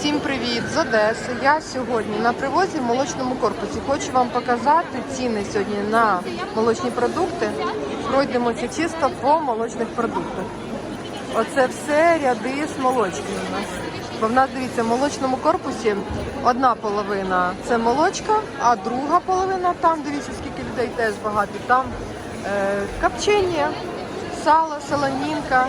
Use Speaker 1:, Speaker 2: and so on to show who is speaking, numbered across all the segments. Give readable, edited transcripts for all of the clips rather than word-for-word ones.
Speaker 1: Всім привіт з Одеси. Я сьогодні на привозі в молочному корпусі. Хочу вам показати ціни сьогодні на молочні продукти. Пройдемося чисто по молочних продуктах. Оце все ряди з молочками у нас. Бо в нас, дивіться, в молочному корпусі одна половина це молочка, а друга половина, там, дивіться, скільки людей теж багато, там копчення, сало, солонінка.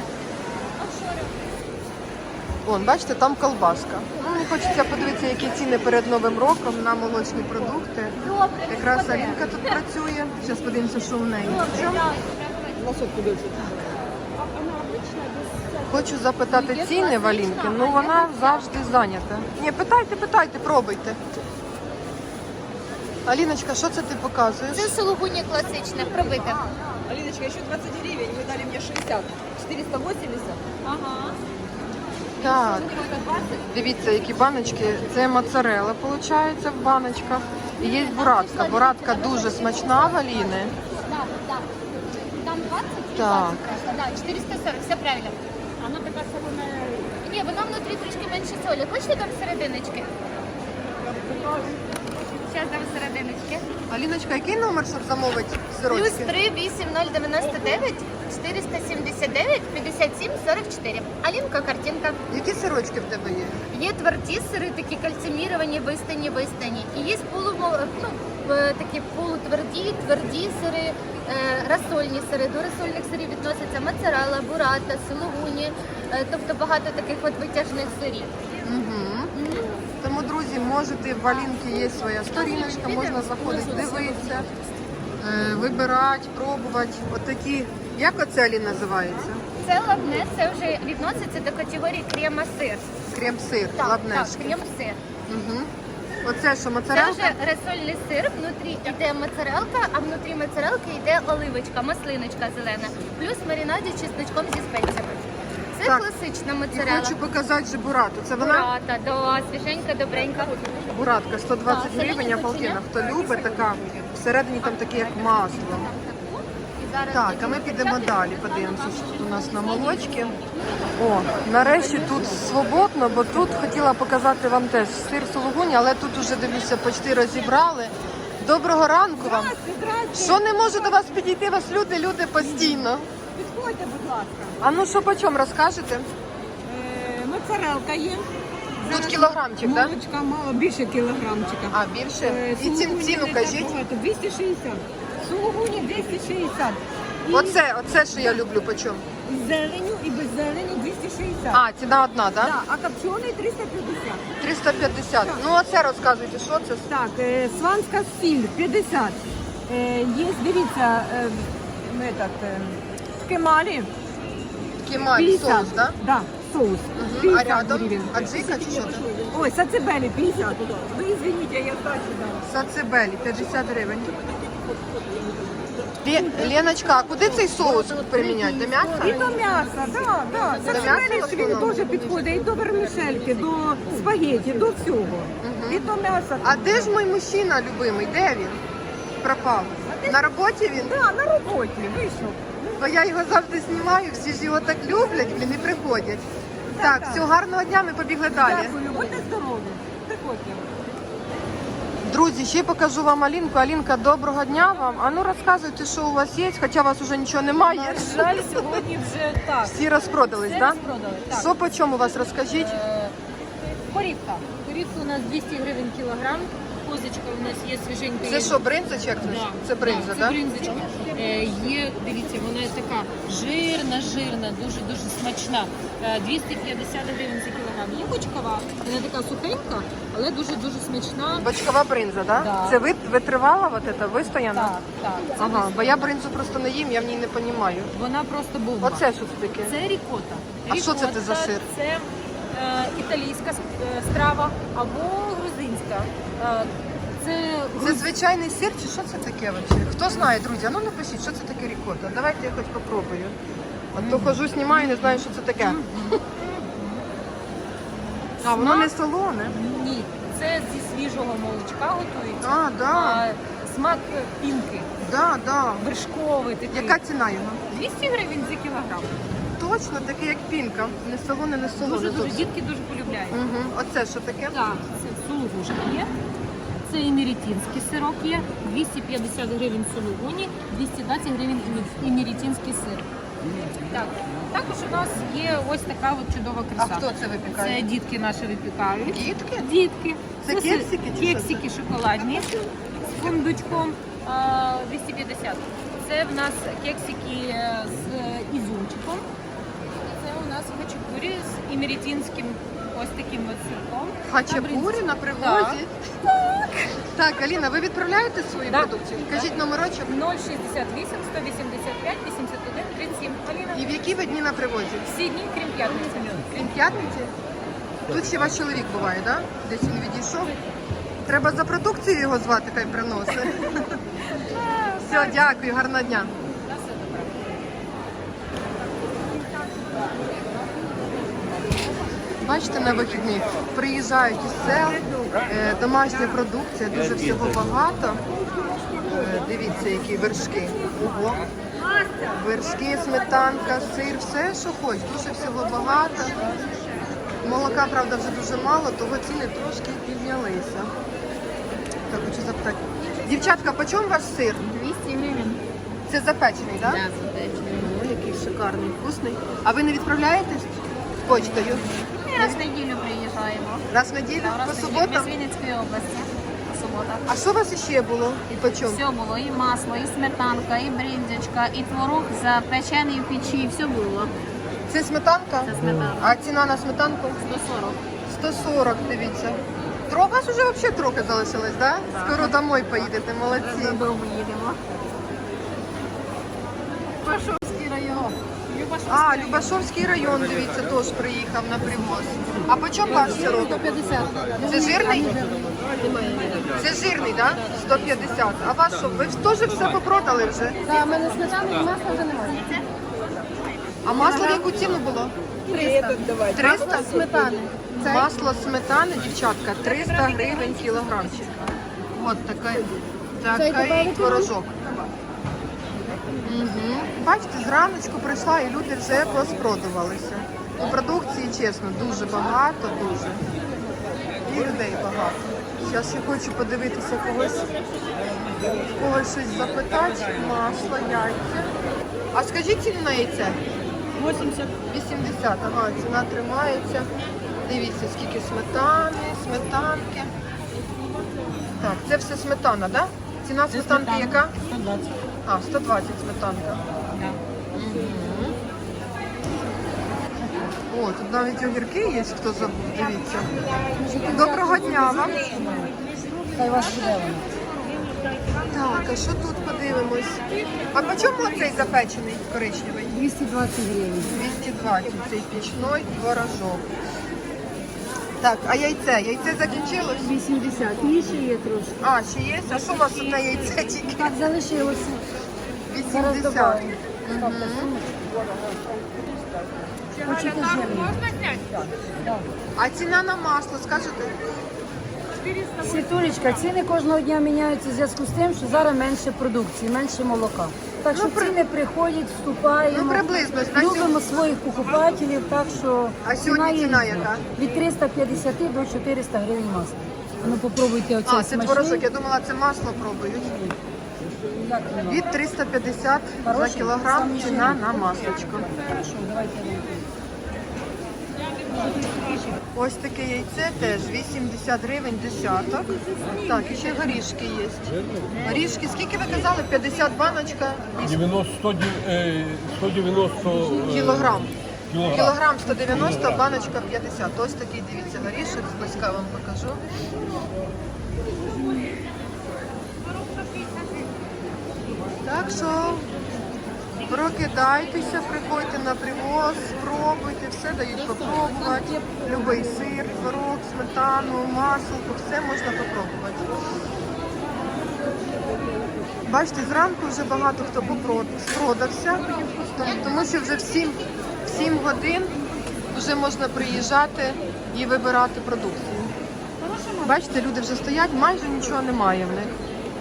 Speaker 1: Вон, бачите, там колбаска. Мені хочеться подивитися, які ціни перед Новим роком на молочні продукти. Якраз Алінка тут працює. Зараз подивимося, що в неї. Хочу запитати ціни в Алінки, ну вона завжди зайнята. Ні, питайте, пробуйте. Аліночка, що це ти показуєш?
Speaker 2: Це сулугуні класичне, пробите.
Speaker 3: Алиночка, еще 20 гривен, вы дали мне 60. 480.
Speaker 2: Ага.
Speaker 1: Так, дивіться, які баночки. Це моцарелла, виходить, в баночках. І є буратка. Буратка дуже смачна в Аліни.
Speaker 2: Так. Там 20 і
Speaker 1: Так.
Speaker 2: 20 просто. Да, 440, все правильно. Вона така солона. Ні, вона внутрі трішки менше солі. Хочете там серединочки? Зараз дам серединочки.
Speaker 1: Аліночка, який номер, щоб замовити
Speaker 2: Плюс
Speaker 1: сирочки?
Speaker 2: 3 8099 479 57 44. Алінка, картинка.
Speaker 1: Які сирочки в тебе є?
Speaker 2: Є тверді сири, такі кальциміровані, вистані. І є такі полутверді, тверді сири, розсольні сири. До розсольних сирів відносяться моцарелла, бурата, сулугуні, тобто багато таких от витяжних сирів.
Speaker 1: Тому, друзі, можете, в Алінки є своя сторіночка, можна заходити, дивитися, вибирати, пробувати. Отакі, як оце, Алін, називається?
Speaker 2: Це лабне, це вже відноситься до категорії крема-сир.
Speaker 1: Крем-сир,
Speaker 2: Так,
Speaker 1: лабнешки.
Speaker 2: крем-сир.
Speaker 1: Угу. Оце що,
Speaker 2: Це
Speaker 1: моцарелка?
Speaker 2: вже розсольний сир, внутрі йде моцарелка, а внутрі моцарелки йде оливочка, маслиночка зелена, плюс маринаді чесночком зі спеціями. Це
Speaker 1: Так.
Speaker 2: класична
Speaker 1: І
Speaker 2: моцарелла.
Speaker 1: хочу показати же бурату. Це вона?
Speaker 2: Бурата, да, свіженька, добренька.
Speaker 1: Буратка, 120
Speaker 2: Так,
Speaker 1: гривень,
Speaker 2: солені
Speaker 1: апалкіна. Хто
Speaker 2: копчення.
Speaker 1: любить, така, всередині там таке, як масло.
Speaker 2: І зараз
Speaker 1: Так, а
Speaker 2: будемо
Speaker 1: ми підемо
Speaker 2: включати.
Speaker 1: далі, подивимося, що тут у нас на молочці. О, нарешті тут свободно, бо тут хотіла показати вам теж сир сулугуні, але тут уже, дивлюся, почти розібрали. Доброго ранку вам. Що не можу до вас підійти, вас люди постійно.
Speaker 3: Підходьте, будь ласка.
Speaker 1: А ну що, по чому розкажете?
Speaker 3: Моцарелка є.
Speaker 1: Тут кілограмчик, так?
Speaker 3: Молочка мало, більше кілограмчика.
Speaker 1: А, більше? І
Speaker 3: Сулугуні
Speaker 1: ціну
Speaker 3: не так
Speaker 1: кажіть.
Speaker 3: багато, 260. Сулугуні 260. І
Speaker 1: Оце, що я люблю, по чому?
Speaker 3: з зеленю і без зелені 260.
Speaker 1: А, ціна одна, так?
Speaker 3: Да, а копчений 350.
Speaker 1: 350. Ну, оце розказуйте, що це?
Speaker 3: Так, сванська сіль 50. Є, дивіться, кемалі
Speaker 1: Кемаль,
Speaker 3: 50.
Speaker 1: соус, так?
Speaker 3: Да, соус.
Speaker 1: А
Speaker 3: 50
Speaker 1: рядом?
Speaker 3: гривень.
Speaker 1: Аджика чи що це?
Speaker 3: Ой, сацебелі 50. Ви извините, я здачу дала.
Speaker 1: Сацебелі, 50 гривень. Леночка, а куди цей соус приміняти? До
Speaker 3: І
Speaker 1: м'яса?
Speaker 3: до м'яса, да, да.
Speaker 1: До
Speaker 3: Сацебелі
Speaker 1: м'яса в
Speaker 3: він
Speaker 1: основному?
Speaker 3: теж підходить і до вермішельки, до спагеті, до всього. І до м'яса.
Speaker 1: А де ж мій мужчина любимий? Де він? Пропав. На роботі він?
Speaker 3: Да, на роботі вийшов.
Speaker 1: Бо я його завжди знімаю, всі ж його так люблять, блін, і приходять. Так,
Speaker 3: так.
Speaker 1: всього гарного дня, ми побігли далі.
Speaker 3: Дякую, будьте здорові. Приходьте.
Speaker 1: Друзі, ще покажу вам Алінку. Алінка, доброго дня вам. А ну розказуйте, що у вас є, хоча у вас вже нічого немає.
Speaker 4: На жаль, сьогодні вже так.
Speaker 1: Всі розпродались,
Speaker 4: Все
Speaker 1: так?
Speaker 4: розпродали. Так.
Speaker 1: Що по чому у вас, розкажіть?
Speaker 4: Корівка. Корівка у нас 200 гривень кілограм. Козочка у нас є свіженька.
Speaker 1: Це що, бринза чи як це?
Speaker 4: Да.
Speaker 1: Це бринза,
Speaker 4: Да, це
Speaker 1: так?
Speaker 4: бринзочка. Є, дивіться, вона така жирна, дуже смачна. 250 гривень за кілограм. Є бочкова, вона така сухенька, але дуже смачна.
Speaker 1: Бочкова бринза, так?
Speaker 4: Да.
Speaker 1: Це витривала вот это, вистояна?
Speaker 4: Так. Це
Speaker 1: Ага, бо я бринзу просто не їм, я в ній не розумію.
Speaker 4: Вона просто бомба.
Speaker 1: Оце що це таке?
Speaker 4: Це рікота.
Speaker 1: А що це за сир?
Speaker 4: Це італійська страва або грузинська.
Speaker 1: Це звичайний сир чи що це таке взагалі? Хто знає, друзі, а ну напишіть, що це таке рікота. Давайте я хоч попробую. От то хожу, знімаю, не знаю, що це таке. А, воно не солоне.
Speaker 4: Ні, це зі свіжого молочка готується.
Speaker 1: А, да.
Speaker 4: Смак пінки,
Speaker 1: Да.
Speaker 4: вершковий такий.
Speaker 1: Яка ціна його?
Speaker 4: 200 гривень за кілограм.
Speaker 1: точно такий, як пінка. Не солоне, не солоне.
Speaker 4: Дуже
Speaker 1: зовсім.
Speaker 4: дітки дуже полюбляють.
Speaker 1: Угу. Оце що таке?
Speaker 4: Так, це сулугушка є. Це імерітінський сирок є. 250 гривень сулугуні, 220 гривень імерітінський сир. Так. Також у нас є ось така от чудова
Speaker 1: А
Speaker 4: краса.
Speaker 1: хто це випікає?
Speaker 4: Це дітки наші випікають.
Speaker 1: Дітки?
Speaker 4: Дітки.
Speaker 1: Це кексики чи
Speaker 4: Кексики шоколадні з фундучком 250. Це в нас кексики з ізюмчиком. Це у нас хачапурі з імерітінським ось таким ось сирком.
Speaker 1: Хачапурі на привозі? Так, Аліна, ви відправляєте свою
Speaker 4: Да.
Speaker 1: продукцію? Кажіть номерочок.
Speaker 4: 068 185 81 37. Аліна.
Speaker 1: І в які ви дні на привозі?
Speaker 4: Всі дні, крім п'ятниці.
Speaker 1: Крім п'ятниці? Тут ще ваш чоловік буває, так? Да? Десь він відійшов. Треба за продукцію його звати, хай приносить. Все, дякую, гарного дня.
Speaker 4: На все добре.
Speaker 1: Бачите, на вихідних приїжджають із сел, домашня продукція, дуже всього багато. Дивіться, які вершки. Ого. Вершки, сметанка, сир, все, що хоч, дуже всього багато. Молока, правда, вже дуже мало, того ціни трошки піднялися. Так, хочу запитати. Дівчатка, по чому ваш сир?
Speaker 2: 200 гривень.
Speaker 1: Це запечений, так? Да? Ой, який шикарний, вкусний. А ви не відправляєтесь почтою?
Speaker 2: Ми раз в неділю приїжджаємо.
Speaker 1: Раз в неділю? По суботам?
Speaker 2: Ми з Вінницької області. По суботах.
Speaker 1: А що у вас ще було і по чому?
Speaker 2: Все було, і масло, і сметанка, і бріндзячка, і творог запечений в печі, все було.
Speaker 1: Це сметанка?
Speaker 2: Це сметанка.
Speaker 1: А ціна на сметанку?
Speaker 2: 140.
Speaker 1: 140, дивіться. У вас вже взагалі трохи залишилось, так? Да? Скоро домой поїдете, молодці.
Speaker 2: Додому їдемо. Пашовський район.
Speaker 1: А, Любашовський район, дивіться, теж приїхав на привоз. А по чому ваш сирок?
Speaker 2: 150.
Speaker 1: Це жирний? Це жирний, так? Да? 150. А ваш що? Ви ж теж все попродали вже?
Speaker 2: Так, в мене сметани і масла вже немає.
Speaker 1: А масло в яку ціну було?
Speaker 2: 300.
Speaker 1: 300?
Speaker 2: Сметани.
Speaker 1: Масло сметани, дівчатка, 300 гривень кілограмчик. От такий творожок. Угу. Бачите, зраночку прийшла і люди вже розпродувалися. У продукції, чесно, дуже багато, дуже. І людей багато. Зараз я хочу подивитися когось щось запитати. Масло, яйця. А скажіть ціну на яйце?
Speaker 3: 80.
Speaker 1: 80, ага, ціна тримається. Дивіться, скільки сметанки. Так, це все сметана, так? Да? Ціна сметанки яка?
Speaker 3: 120.
Speaker 1: А, 120 сметанка.
Speaker 3: Да.
Speaker 1: О, тут навіть огірки є, хто забув, дивіться. Доброго дня вам.
Speaker 3: Хай вас буде воно.
Speaker 1: Так, а що тут подивимось? А по чому цей запечений коричневий?
Speaker 3: 220 гривень.
Speaker 1: 220, цей пічний творожок. Так, а яйце? Яйце закінчилось?
Speaker 3: 80. І ще є трошки.
Speaker 1: А, ще є? А що у вас тут на яйце тільки?
Speaker 3: Так, залишилося.
Speaker 1: 80.
Speaker 3: Хочете жирні?
Speaker 1: А ціна на масло, скажете?
Speaker 3: Світулечка, ціни кожного дня міняються в зв'язку з тим, що зараз менше продукції, менше молока. Так що ціни приходять, вступаємо,
Speaker 1: Ну, приблизно, на
Speaker 3: любимо своїх покупателів, так що
Speaker 1: А сьогодні ціна
Speaker 3: є різна.
Speaker 1: яка?
Speaker 3: Від 350 до 400 гривень масла. Ну попробуйте оцей
Speaker 1: А, це творожок,
Speaker 3: смачний.
Speaker 1: я думала, це масло пробують.
Speaker 3: Як воно?
Speaker 1: Від 350 за
Speaker 3: Хороший?
Speaker 1: кілограм
Speaker 3: Самий
Speaker 1: ціна
Speaker 3: жирний.
Speaker 1: на маслочко.
Speaker 3: Хорошо, давайте.
Speaker 1: Ось таке яйце теж 80 гривень десяток. Так, і ще горішки є. Горішки, скільки ви казали? 50 баночка?
Speaker 5: 190
Speaker 1: Кілограм.
Speaker 5: кілограм.
Speaker 1: Кілограм 190, баночка 50. Ось такий, дивіться, горішок, зблизька вам покажу. Так що прокидайтеся, приходьте на привоз, спробуйте, все дають попробувати. Любий сир, творог, сметану, масло, все можна попробувати. Бачите, зранку вже багато хто спродався, тому що вже в 7 годин вже можна приїжджати і вибирати продукцію. Бачите, люди вже стоять, майже нічого немає в них.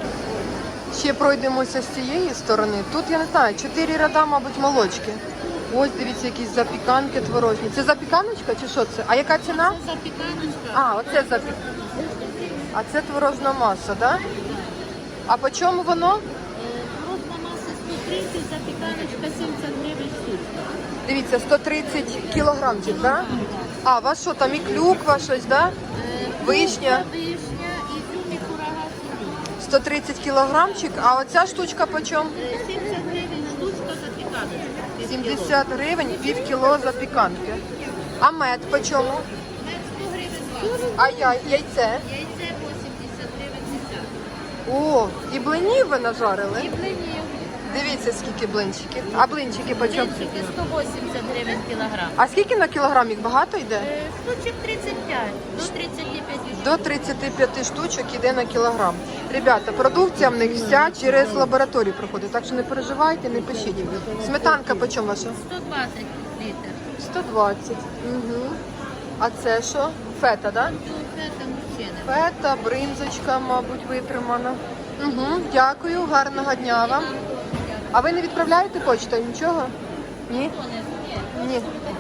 Speaker 1: Ще пройдемося з цієї сторони. Тут, я не знаю, 4 ряда, мабуть, молочки. Ось дивіться, якісь запіканки творожні. Це запіканочка чи що це? А яка ціна?
Speaker 2: Це запіканочка.
Speaker 1: А, оце А це творожна маса, да? А по чому воно?
Speaker 2: Творожна маса 130, запіканочка 70 гривень штучка.
Speaker 1: Дивіться, 130 кілограмчик, да? А, у вас що, там і клюква щось, да? Вишня.
Speaker 2: Вишня, ізюм і курага сирі.
Speaker 1: 130 кілограмчик, а оця штучка по чому?
Speaker 2: 70 гривень штучка запіканочка.
Speaker 1: 70 гривень, пів кіло запіканки. А мед по чому?
Speaker 2: Мед 100 гривень вага.
Speaker 1: А яйце?
Speaker 2: Яйце 80 гривень десяток.
Speaker 1: О, і блинів ви нажарили?
Speaker 2: І блинів.
Speaker 1: Дивіться, скільки блинчиків. А блинчики по чому?
Speaker 2: Блинчики 180 гривень кілограм.
Speaker 1: А скільки на кілограм їх багато йде?
Speaker 2: Штучок 35, до 35 штук.
Speaker 1: До 35 штучок іде на кілограм. Ребята, продукція в них вся через лабораторію проходить, так що не переживайте, не пишіть. Сметанка по чому ваша?
Speaker 2: 120 літр.
Speaker 1: 120. Угу. А це що? Фета, да?
Speaker 2: Це там мужчини.
Speaker 1: Фета, бринзочка, мабуть, витримана. Угу. Дякую, гарного дня вам. А ви не відправляєте почтою? Нічого? Ні? Ні.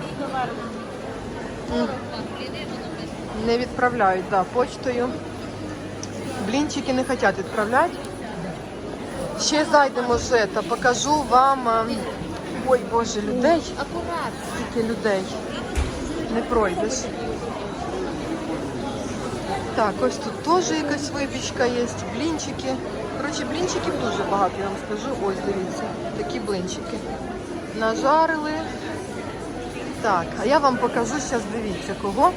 Speaker 1: Не відправляють, да, почтою. Блінчики не хочуть відправляти. Ще зайдемо вже та покажу вам. Ой, Боже, людей.
Speaker 2: Акуратно.
Speaker 1: Скільки людей. Не пройдеш. Так, ось тут теж якась випічка є, блінчики. Коротше, блінчиків дуже багато, я вам скажу. Ось, дивіться, такі блинчики. Нажарили. Так, а я вам покажу зараз, дивіться, кого.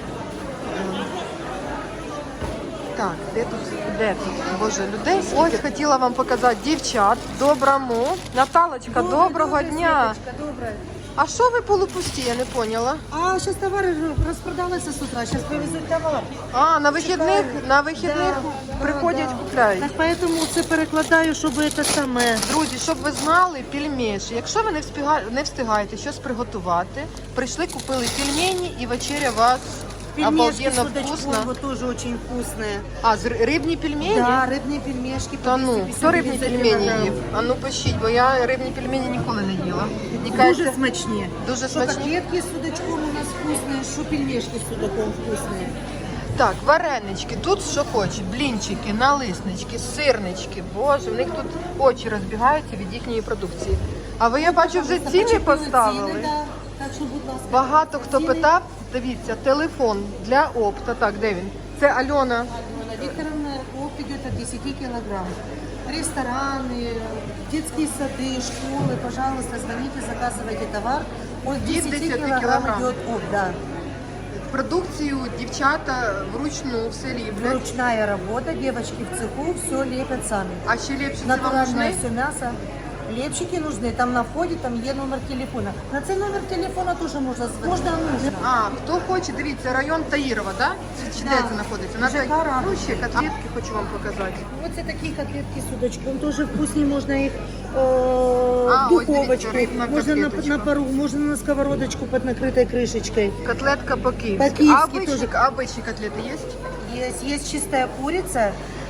Speaker 1: Так, де тут? Де тут? Боже, людей. Ось хотіла вам показати дівчат. Доброму. Наталочка, доброго дня.
Speaker 3: Добре.
Speaker 1: А що ви полупусті, я не поняла.
Speaker 3: А зараз товари розпродалися з утра, зараз привезуть товар.
Speaker 1: А, на вихідних приходять, купляють.
Speaker 5: Так поэтому це перекладаю, щоб це саме.
Speaker 1: Друзі, щоб ви знали, пельмеші. Якщо ви не встигаєте щось приготувати, прийшли, купили пельмені і вечеря вас
Speaker 5: Пельмешки с
Speaker 1: обалденно
Speaker 5: удочком
Speaker 1: вкусно.
Speaker 5: вот тоже очень вкусные.
Speaker 1: А, рибні пельмені?
Speaker 5: Да, рыбные пельмешки.
Speaker 1: Та ну,
Speaker 5: 250
Speaker 1: хто рибні
Speaker 5: гривен за
Speaker 1: пельмені
Speaker 5: килограмм.
Speaker 1: їв? А ну пишіть, бо я рибні пельмені ніколи не їла. Мені
Speaker 5: Дуже
Speaker 1: кажеться,
Speaker 5: смачні.
Speaker 1: дуже
Speaker 5: Что
Speaker 1: смачні.
Speaker 5: котлетки с удочком у нас вкусные, что пельмешки с судаком вкусные.
Speaker 1: Так, варенички, тут що хочеш, блінчики, налиснички, сирнички. Боже, в них тут очі розбігаються від їхньої продукції. А ви, я бачу, вже ціни
Speaker 5: Почекаю
Speaker 1: поставили.
Speaker 5: ціни, да. Так що, будь ласка.
Speaker 1: Багато хто
Speaker 5: ціни.
Speaker 1: питав, дивіться, телефон для опта. Так, де він? Це Альона.
Speaker 5: Викторовна, опт идет от 10 килограмм. Рестораны, детские сады, школы, пожалуйста, звоните, заказывайте товар. От 10
Speaker 1: килограмм.
Speaker 5: килограмм идет опт, да.
Speaker 1: Продукцію дівчата вручну все ліплять.
Speaker 5: Ручная работа, девочки в цеху все лепят сами.
Speaker 1: А ще ліпше це вам
Speaker 5: Натуральное
Speaker 1: нужны?
Speaker 5: все мясо. Лепчики нужны, там на входе там є номер телефона. На цей номер телефона тоже можна звонити. Можна, нужно.
Speaker 1: А, хто хоче, дивіться, район Таїрова, да? Чи де це знаходиться? На
Speaker 5: ЖК «Рада».
Speaker 1: Ну, ще котлетки хочу вам показати.
Speaker 5: Оце такі котлетки з удочком, дуже вкусні, можна їх
Speaker 1: А,
Speaker 5: в
Speaker 1: ось
Speaker 5: духовочку,
Speaker 1: дивіться, рибна
Speaker 5: можна
Speaker 1: котлеточка.
Speaker 5: на пару, можна на сковородочку під накритою кришечкою.
Speaker 1: Котлетка по-київськи.
Speaker 5: По-київськи
Speaker 1: А обичні котлети є?
Speaker 5: Есть чистая курица,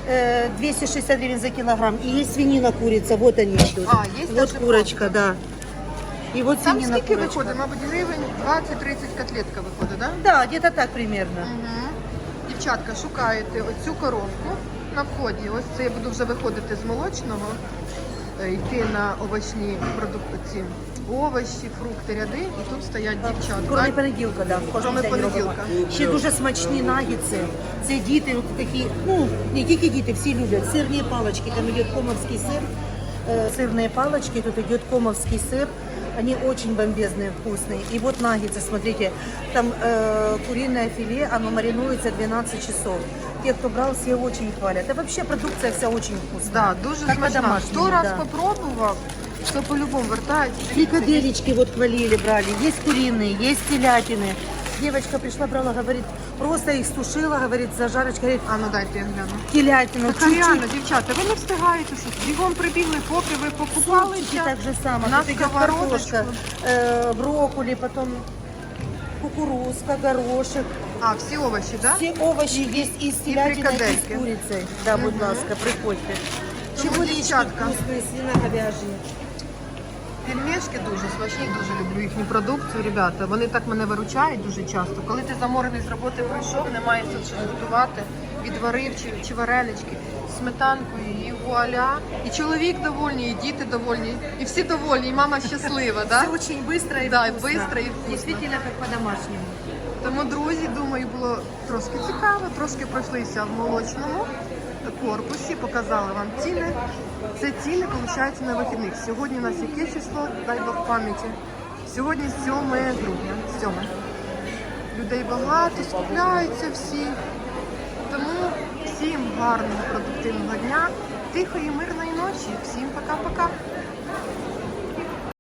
Speaker 5: 260 гривен за килограмм. И есть свинина курица, вот они идут.
Speaker 1: А, есть
Speaker 5: Вот
Speaker 1: даже
Speaker 5: курочка, да. И вот
Speaker 1: Там
Speaker 5: свинина
Speaker 1: скільки
Speaker 5: курочка.
Speaker 1: виходить? Мабуть, гривень 20-30 котлетка виходить, так?
Speaker 5: Да, где-то так примерно.
Speaker 1: Угу. Дівчатка, шукаєте оцю коробку на вході. Ось це я буду вже виходити з молочного, йти на овочні продукти, ці овочі, фрукти, ряди, і тут стоять дівчатка.
Speaker 5: Кроме понеділка, да.
Speaker 1: Кроме понеділка.
Speaker 5: Ще дуже смачні нагідси. Це діти от такі, ну, не тільки діти, всі люблять. Сирні палочки, там йде комовський сир. Сырные палочки, тут идет комовский сыр. Они очень бомбезные, вкусные. И вот наггетсы, смотрите, там куриное филе, оно маринуется 12 часов. Те, кто брал, все очень хвалят. Да вообще продукция вся очень вкусная.
Speaker 1: Да, дуже
Speaker 5: Как
Speaker 1: смачна.
Speaker 5: по-домашнему,
Speaker 1: Хто раз
Speaker 5: да.
Speaker 1: попробував, то по-любому вертається.
Speaker 5: Фрикадельки вот хвалили, брали. Есть куриные, есть телятины. Девочка пришла, брала, говорит, просто их стушила, говорит, зажарочка, говорит,
Speaker 1: А ну дайте я гляну.
Speaker 5: телятину,
Speaker 1: Так реально, дівчата, ви не встигаєте щось. Бігом прибігли, поки ви покупали.
Speaker 5: супчики так же само.
Speaker 1: На
Speaker 5: Тут идет
Speaker 1: сковородочку.
Speaker 5: картошка, брокколи, потом кукурузка, горошек.
Speaker 1: А, всі овочі, так? Да?
Speaker 5: Все овощи есть и с телятиной, и
Speaker 1: фрикадельки.
Speaker 5: с курицей. Да, будь ласка, приходьте.
Speaker 1: Тому,
Speaker 5: Чебуречки
Speaker 1: дівчатка.
Speaker 5: вкусные, свино-говяжьи.
Speaker 1: Пельмешки дуже смачні, дуже люблю їхню продукцію, ребята. Вони так мене виручають дуже часто. Коли ти заморений з роботи прийшов, немає сил щось готувати, відварив чи варенички, сметанкою і вуаля. І чоловік довольний, і діти довольні, і всі довольні, і мама щаслива, да?
Speaker 5: Все очень быстро и
Speaker 1: Да,
Speaker 5: вкусно.
Speaker 1: быстро и вкусно.
Speaker 5: Действительно, как по-домашнему.
Speaker 1: Тому, друзі, думаю, було трошки цікаво, трошки пройшлися в молочному корпусі, показали вам ціни. Це ціни, виходить, на вихідних. Сьогодні у нас яке число, дай Бог пам'яті. Сьогодні 7 грудня, 7. Людей багато, скупляються всі. Тому всім гарного, продуктивного дня, тихої, мирної ночі. Всім пока-пока.